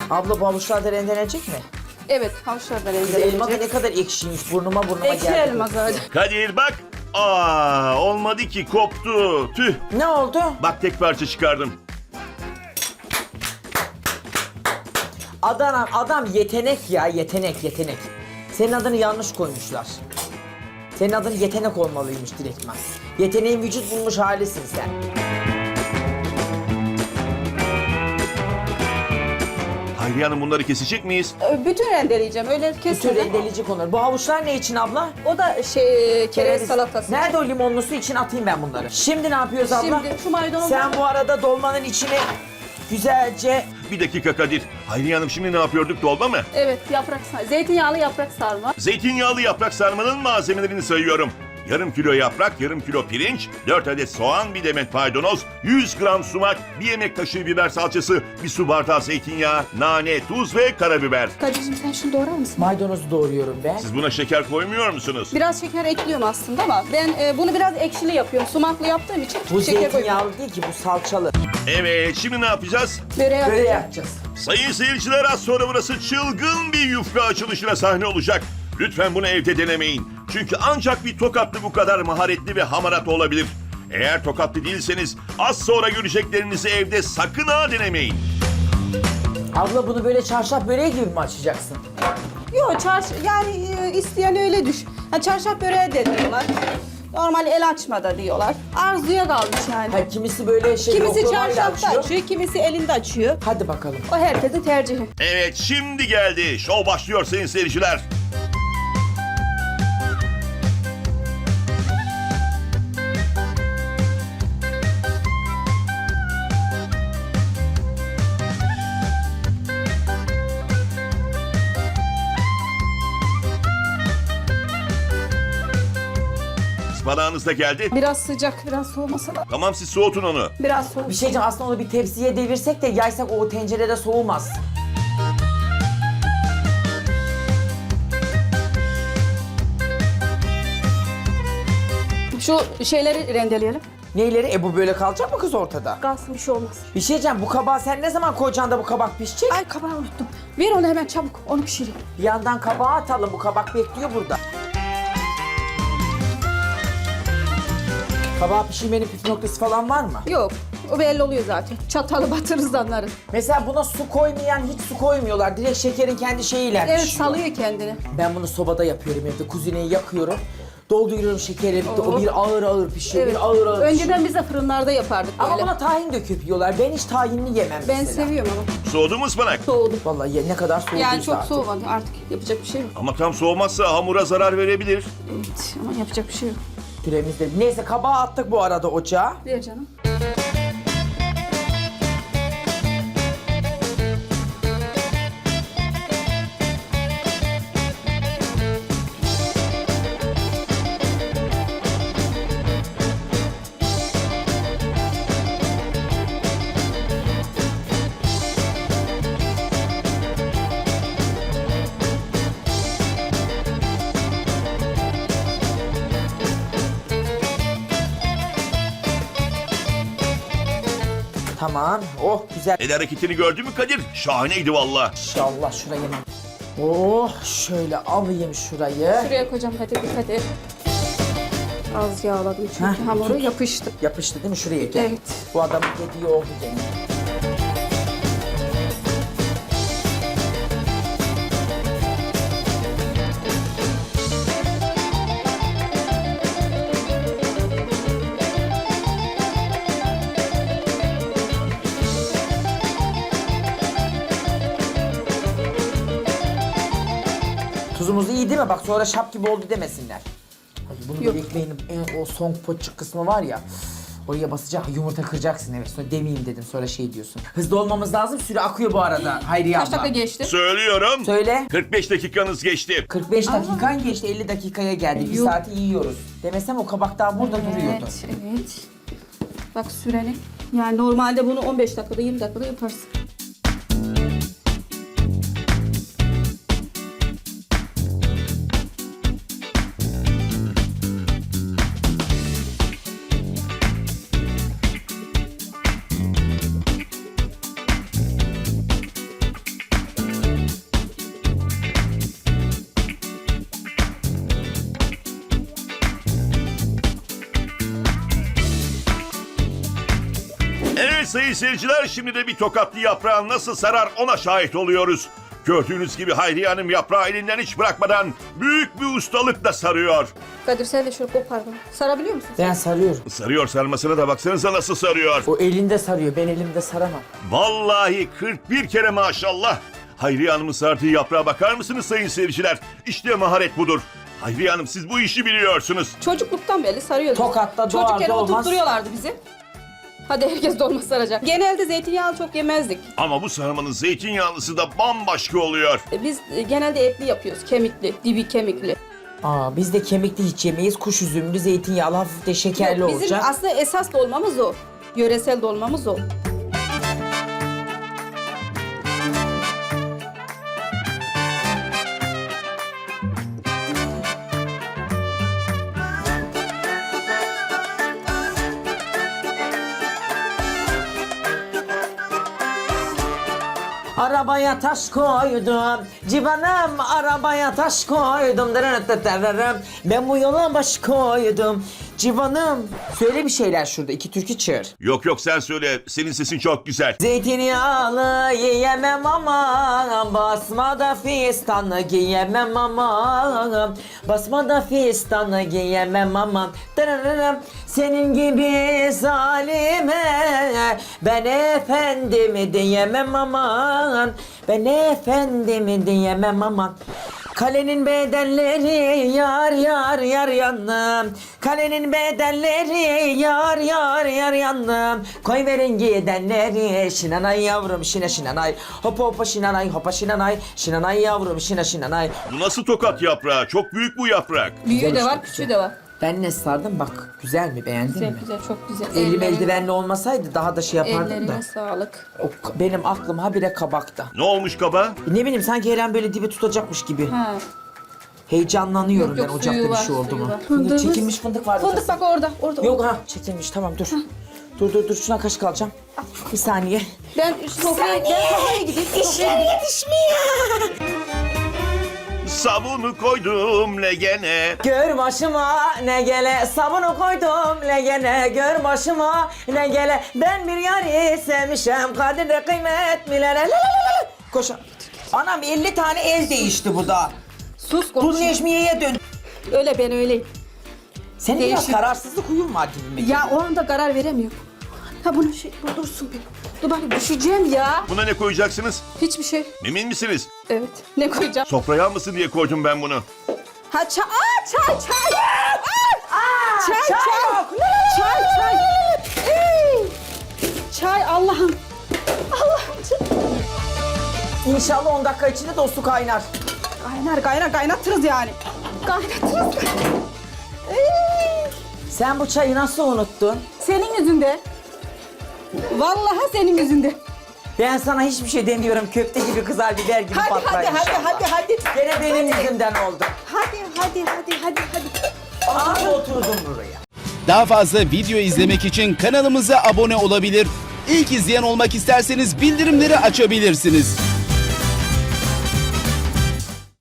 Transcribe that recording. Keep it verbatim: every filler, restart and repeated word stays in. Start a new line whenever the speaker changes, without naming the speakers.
Abla bu havuçlar da rendelenecek mi?
Evet, havuçlar da
Kız elma da
rendelenecek.
ne kadar ekşiymiş. Burnuma burnuma
Ekşi
geldi.
elma zaten.
Kadir bak. Aa, olmadı ki, koptu. Tüh.
Ne oldu?
Bak tek parça çıkardım.
Adam, adam yetenek ya, yetenek, yetenek. Senin adını yanlış koymuşlar. Senin adın yetenek olmalıymış direktman. Yeteneğin vücut bulmuş halisin sen.
Hayriye Hanım, bunları kesecek miyiz?
Bütün rendeleyeceğim, öyle
Bütün
kesmeden.
rendeleyici konular. Bu havuçlar ne için abla?
O da şey, kereviz salatası.
Nerede o limonlu su için atayım ben bunları. Şimdi ne yapıyoruz abla?
Şimdi şu maydanozu...
Sen bu arada dolmanın içine güzelce...
Bir dakika Kadir. Hayriye Hanım, şimdi ne yapıyorduk, dolma mı?
Evet, yaprak sarma. Zeytinyağlı yaprak sarma.
Zeytinyağlı yaprak sarmanın malzemelerini sayıyorum. Yarım kilo yaprak, yarım kilo pirinç, dört adet soğan, bir demet maydanoz, yüz gram sumak, bir yemek kaşığı biber salçası, bir su bardağı zeytinyağı, nane, tuz ve karabiber.
Kadir'cim sen şunu doğrar mısın?
Maydanozu doğruyorum ben.
Siz buna şeker koymuyor musunuz?
Biraz şeker ekliyorum aslında ama ben e, bunu biraz ekşili yapıyorum. Sumaklı yaptığım için
Bu
şeker koyuyorum.
zeytinyağlı değil ki, bu salçalı.
Evet, şimdi ne yapacağız?
Böreği
Böyle
yapacağım.
yapacağız.
Sayın seyirciler, az sonra burası çılgın bir yufka açılışına sahne olacak. Lütfen bunu evde denemeyin. Çünkü ancak bir Tokatlı bu kadar maharetli ve hamarat olabilir. Eğer Tokatlı değilseniz az sonra göreceklerinizi evde sakın ha denemeyin.
Abla bunu böyle çarşaf böreği gibi mi açacaksın?
Yok çarş yani e, isteyen öyle düş. Yani çarşaf böreği de diyorlar. Normal el açmada diyorlar. Arzuya kalmış yani.
Ha, kimisi böyle şey
Kimisi
oklavayla
çarşafta
açıyor.
açıyor, kimisi elinde açıyor.
Hadi bakalım.
O herkesin tercihi.
Evet, şimdi geldi. Şov başlıyor sayın seyirciler. Ispanağınız da geldi.
Biraz sıcak, biraz soğumasa da.
Tamam, siz soğutun onu.
Biraz soğuk.
Bir şey diyeceğim, aslında onu bir tepsiye devirsek de yaysak o tencerede soğumaz.
Şu şeyleri rendeleyelim.
Neyleri? E bu böyle kalacak mı kız ortada?
Kalsın, bir şey olmaz.
Bir şey diyeceğim, bu kabağı sen ne zaman koyacaksın da bu kabak pişecek?
Ay kabağı unuttum. Ver onu hemen çabuk, onu pişireyim.
Bir yandan kabağı atalım, bu kabak bekliyor burada. Kabağı pişirmenin püf noktası falan var mı?
Yok, o belli oluyor zaten. Çatalı batırırız anlarız.
Mesela buna su koymayan hiç su koymuyorlar. Direkt şekerin kendi şeyiyle
Evet,
pişiyor.
salıyor kendini.
Ben bunu sobada yapıyorum evde. Kuzineyi yakıyorum. Dolduruyorum şekeri.
Oo.
O bir ağır ağır pişiyor,
Evet.
bir ağır ağır pişiyor.
Önceden biz de fırınlarda yapardık
Ama
böyle.
buna tahin döküp yiyorlar. Ben hiç tahinli yemem
Ben
mesela.
seviyorum ama.
Soğudu mu ıspanak?
Soğudu.
Vallahi ye- ne kadar soğuduysa
Yani çok
artık.
soğumadı artık. Yapacak bir şey yok.
Ama tam soğumazsa hamura zarar verebilir.
Evet ama yapacak bir şey yok.
Süremiz de. Neyse kabağı attık bu arada ocağa.
Ver canım.
Tamam. Oh güzel.
El hareketini gördün mü Kadir? Şahaneydi valla.
İnşallah şurayı hemen. Oh şöyle alayım şurayı.
Şuraya koyacağım, hadi dikkat et. Az yağladım çünkü
Heh,
hamuru
tut.
yapıştı.
Yapıştı değil mi şuraya gel.
Evet.
Bu adamın dediği oldu gene. Tuzumuz iyi değil mi? Bak sonra şap gibi oldu demesinler. Ay, bunu
Yok.
da ekmeğin en o son poçuk kısmı var ya. Oraya basacak, yumurta kıracaksın evet. Sonra demeyeyim dedim, sonra şey diyorsun. Hızlı olmamız lazım, süre akıyor bu arada Hayriye
Kaç
abla.
dakika geçti?
Söylüyorum.
Söyle.
kırk beş dakikanız geçti.
kırk beş dakikan geçti, elli dakikaya geldi. Bir
Yok.
saati yiyoruz. Demesem o kabak daha burada duruyordu.
Evet, evet. Bak süreni. Yani normalde bunu on beş dakikada, yirmi dakikada yaparsın.
Evet sayın seyirciler, şimdi de bir tokatlı yaprağın nasıl sarar ona şahit oluyoruz. Gördüğünüz gibi Hayriye Hanım yaprağı elinden hiç bırakmadan büyük bir ustalıkla sarıyor.
Kadir sen de şöyle kopar bunu. Sarabiliyor musun?
Ben sarıyorum.
Sarıyor sarmasına da baksanıza nasıl sarıyor.
O elinde sarıyor. Ben elimde saramam.
Vallahi kırk bir kere maşallah. Hayriye Hanım'ın sardığı yaprağa bakar mısınız sayın seyirciler? İşte maharet budur. Hayriye Hanım siz bu işi biliyorsunuz.
Çocukluktan beri sarıyorduk.
Tokat'ta doğar
Çocukken
doğmaz.
oturtturuyorlardı bizi. Hadi herkes dolma saracak. Genelde zeytinyağlı çok yemezdik.
Ama bu sarmanın zeytinyağlısı da bambaşka oluyor.
E, Biz e, genelde etli yapıyoruz. Kemikli, dibi kemikli.
Aa, biz de kemikli hiç yemeyiz. Kuş üzümlü, zeytinyağlı, hafif de şekerli
Yok, bizim
olacak.
aslında esas dolmamız o. Yöresel dolmamız o.
Arabaya taş koydum, civanım arabaya taş koydum. Dırırırırırırım. Ben bu yola baş koydum, civanım. Söyle bir şeyler şurada, iki türkü çığır.
Yok yok sen söyle, senin sesin çok güzel.
Zeytinyağlı yiyemem aman, basmada fistanı giyemem aman, basmada fistanı giyemem aman. Dırırırım. Senin gibi zalime ben efendimi diyemem aman, ben efendimi diyemem aman. Kalenin bedelleri yar yar yar yandım, kalenin bedelleri yar yar yar yandım. Koy verin gidenleri şinanay yavrum şine şinanay, hopa hopa şinanay hopa şinanay, şinanay yavrum şine şinanay.
Bu nasıl tokat yaprağı? Çok büyük bu yaprak.
Büyüğü
Güzel
de
işte,
var,
güzel.
küçüğü de var.
Ben ne sardım bak, güzel mi, beğendin
Güzel
mi?
güzel, çok güzel.
Elim
Ellerine-
eldivenli olmasaydı daha da şey yapardım da.
Ellerine sağlık.
O, k- benim aklım habire kabakta.
Ne olmuş kaba?
Ne bileyim sanki her an böyle dibi tutacakmış gibi.
Ha.
Heyecanlanıyorum
Yok, yok,
ben ocakta
suyu
bir
var,
şey oldu
suyu
mu.
var.
Fındık,
Fındığımız-
çekilmiş fındık vardı.
Fındık
kızım.
bak orada, orada.
Yok ha, çekilmiş, tamam dur. Dur dur dur, şuna kaşık alacağım. Bir saniye.
Ben sofraya, ben sofraya gideyim. Sofraya gideyim.
yetişmiyor.
Sabunu koydum legene.
Gör başıma ne gele, sabunu koydum legene. Gör başıma ne gele, ben bir yari sevmişem, kadri kıymet bilene. Koş. Anam elli tane el değişti bu da.
Sus
Dur
konuş.
Necmiye'ye dön.
Öyle ben öyleyim.
Senin biraz
Değişik.
kararsızlık huyun var gibime.
Ya o anda karar veremiyorum. Ha bunu şey, bu dursun bir. Dur bak düşeceğim ya.
Buna ne koyacaksınız?
Hiçbir şey.
Emin misiniz?
Evet. Ne koyacağım?
Sofraya almasın diye koydum ben bunu.
Ha çay. Aa çay çay. Aa, çay
çay
çay.
yok.
Çay çay. Ey! Çay Allah'ım. Allah'ım çay.
İnşallah on dakika içinde de o su kaynar.
Kaynar kaynar kaynatırız yani. Kaynatırız. Ey!
Sen bu çayı nasıl unuttun?
Senin yüzünde. Vallahi senin yüzünde.
Ben sana hiçbir şey demiyorum. Köfte gibi, kızar biber gibi
Hadi
patlar
hadi hadi
inşallah.
hadi hadi.
Gene benim yüzümden oldu.
Hadi hadi hadi hadi hadi.
Aha oturdum buraya.
Daha fazla video izlemek için kanalımıza abone olabilir. İlk izleyen olmak isterseniz bildirimleri açabilirsiniz.